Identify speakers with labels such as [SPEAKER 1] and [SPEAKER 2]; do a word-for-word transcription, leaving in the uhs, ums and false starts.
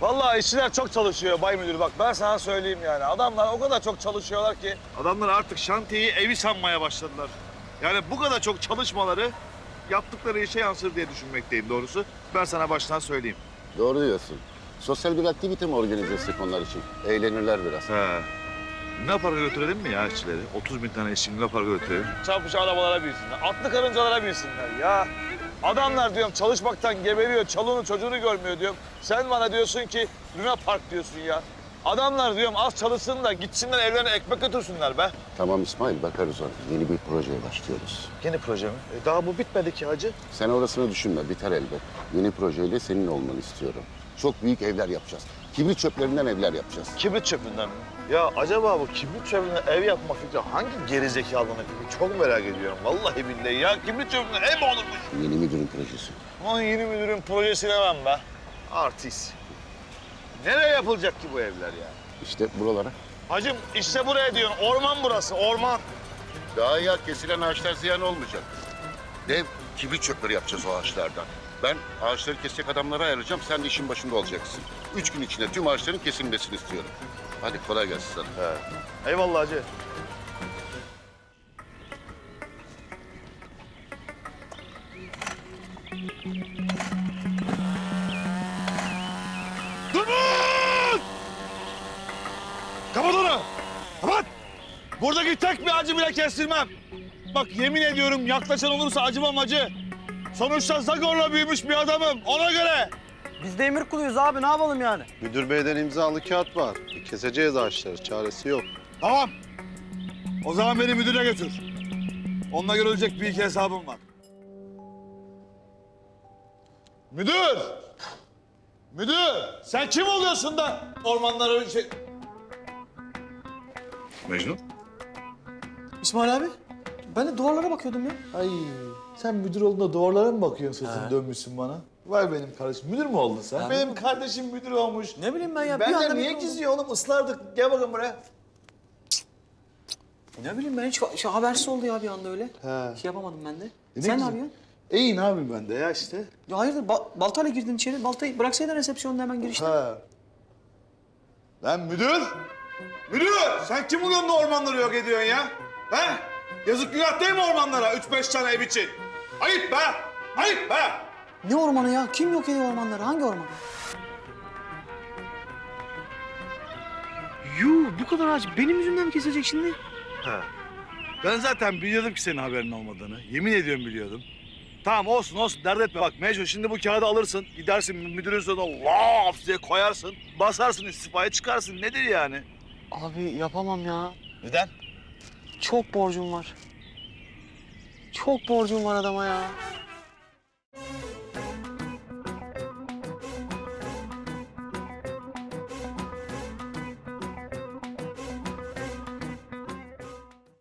[SPEAKER 1] Vallahi işçiler çok çalışıyor Bay Müdür. Bak ben sana söyleyeyim yani. Adamlar o kadar çok çalışıyorlar ki. Adamlar artık şantiyeyi evi sanmaya başladılar. Yani bu kadar çok çalışmaları yaptıkları işe yansır diye düşünmekteyim doğrusu. Ben sana baştan söyleyeyim.
[SPEAKER 2] Doğru diyorsun. Sosyal bir aktivite mi organize etsek onlar için? Eğlenirler biraz.
[SPEAKER 1] He. Luna Park'a götürelim mi ya işçileri? otuz bin tane işçi Luna Park'a götürelim. Çarpış arabalara binsinler, atlı karıncalara binsinler ya. Adamlar diyorum çalışmaktan geberiyor, çoluğunu çocuğunu görmüyor diyorum. Sen bana diyorsun ki Luna Park diyorsun ya. Adamlar diyorum az çalışsın da gitsinler evlerine ekmek götürsünler be.
[SPEAKER 2] Tamam İsmail, bakarız ona. Yeni bir projeye başlıyoruz.
[SPEAKER 1] Yeni proje mi? E daha bu bitmedi ki hacı.
[SPEAKER 2] Sen orasını düşünme, biter elbet. Yeni projeyle senin olmanı istiyorum. Çok büyük evler yapacağız. Kibrit çöplerinden evler yapacağız.
[SPEAKER 1] Kibrit çöpünden mi? Ya acaba bu kibrit çöpünden ev yapma fikri hangi gerizekalının fikri? Çok merak ediyorum vallahi billahi ya. Kibrit çöpünden ev mi olurmuş?
[SPEAKER 2] Yeni müdürün projesi.
[SPEAKER 1] Aman yeni müdürün projesine ben be. Artist. Nereye yapılacak ki bu evler ya?
[SPEAKER 2] İşte buralara.
[SPEAKER 1] Hacım işte buraya diyorsun. Orman burası, orman.
[SPEAKER 2] Daha ya kesilen ağaçlar ziyan olmayacak. Dev kibrit çöpleri yapacağız o ağaçlardan. Ben ağaçları kesecek adamlara ayıracağım, sen de işin başında olacaksın. Üç gün içinde tüm ağaçların kesilmesini istiyorum. Hadi kolay gelsin sana.
[SPEAKER 1] He. Eyvallah hacı. Durun! Kapat onu! Kapat! Buradaki tek bir acı bile kestirmem. Bak yemin ediyorum yaklaşan olursa acımam acı. Sonuçta Zagor'la büyümüş bir adamım. Ona göre.
[SPEAKER 3] Biz de emir kuluyuz abi, ne yapalım yani?
[SPEAKER 4] Müdür beyden imzalı kağıt var. Keseceğiz ağaçları, çaresi yok.
[SPEAKER 1] Tamam. O zaman beni müdüre götür. Onunla görülecek bir iki hesabım var. Müdür! Müdür! Sen kim oluyorsun da ormanlara şey... Mecnun?
[SPEAKER 3] İsmail abi, ben de duvarlara bakıyordum ya.
[SPEAKER 5] Ay sen müdür olduğunda duvarlara mı bakıyorsun sırtını dönmüşsün bana? Vay benim kardeşim. Müdür mü oldun sen?
[SPEAKER 3] Ha.
[SPEAKER 5] Benim kardeşim müdür olmuş.
[SPEAKER 3] Ne bileyim ben ya, bir
[SPEAKER 5] Ben
[SPEAKER 3] anda
[SPEAKER 5] de niye
[SPEAKER 3] müdür oldum.
[SPEAKER 5] gizliyor oğlum? Islardık. Gel bakın buraya.
[SPEAKER 3] Ne bileyim ben, hiç şey, habersiz oldu ya bir anda öyle.
[SPEAKER 5] He.
[SPEAKER 3] Şey yapamadım ben de.
[SPEAKER 5] E ne
[SPEAKER 3] Sen ne
[SPEAKER 5] güzel.
[SPEAKER 3] yapıyorsun?
[SPEAKER 5] İyi ne yapayım ben de ya işte.
[SPEAKER 3] Ya hayırdır, ba- baltayla girdin içeri. Baltayı bıraksaydın resepsiyonda hemen girişte.
[SPEAKER 5] Ha.
[SPEAKER 1] Lan müdür! Müdür! Sen kim oluyorsun da ormanları yok ediyorsun ya? He? Yazık günah değil mi ormanlara? Üç beş tane ev için. Ayıp be! Ayıp be!
[SPEAKER 3] Ne ormanı ya? Kim yok ediyor ormanları? Hangi orman? Yuh, bu kadar ağaç benim yüzümden mi kesilecek şimdi?
[SPEAKER 1] He. Ben zaten biliyordum ki senin haberin olmadığını. Yemin ediyorum biliyordum. Tamam olsun olsun dert etme. Bak Mecnun şimdi bu kağıdı alırsın. Gidersin müdürün sonuna laf diye koyarsın. Basarsın istifaya çıkarsın. Nedir yani?
[SPEAKER 3] Abi yapamam ya.
[SPEAKER 1] Neden?
[SPEAKER 3] Çok borcum var. Çok borcum var adama ya.